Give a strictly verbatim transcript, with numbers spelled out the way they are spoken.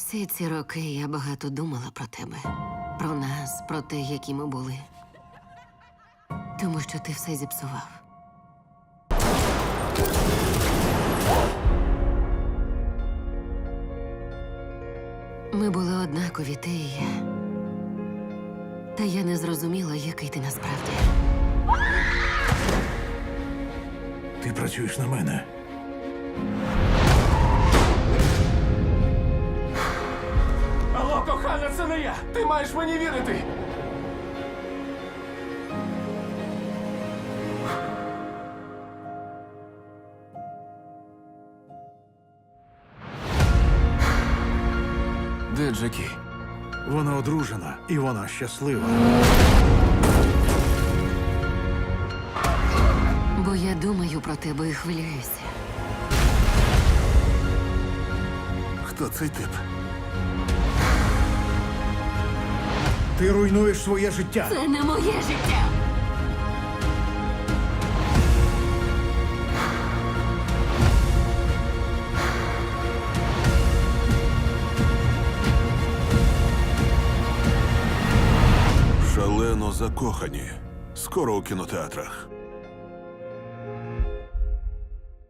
Всі ці роки я багато думала про тебе, про нас, про те, які ми були. Тому що ти все зіпсував. Ми були однакові, ти і я. Та я не зрозуміла, який ти насправді. Ти працюєш на мене. Алло, кохана, це не я! Ти маєш мені вірити! Де Джекі? Вона одружена, і вона щаслива. Бо я думаю про тебе і хвилююся. Хто цей тип? Ти руйнуєш своє життя. Це не моє життя! Шалено закохані. Скоро у кінотеатрах.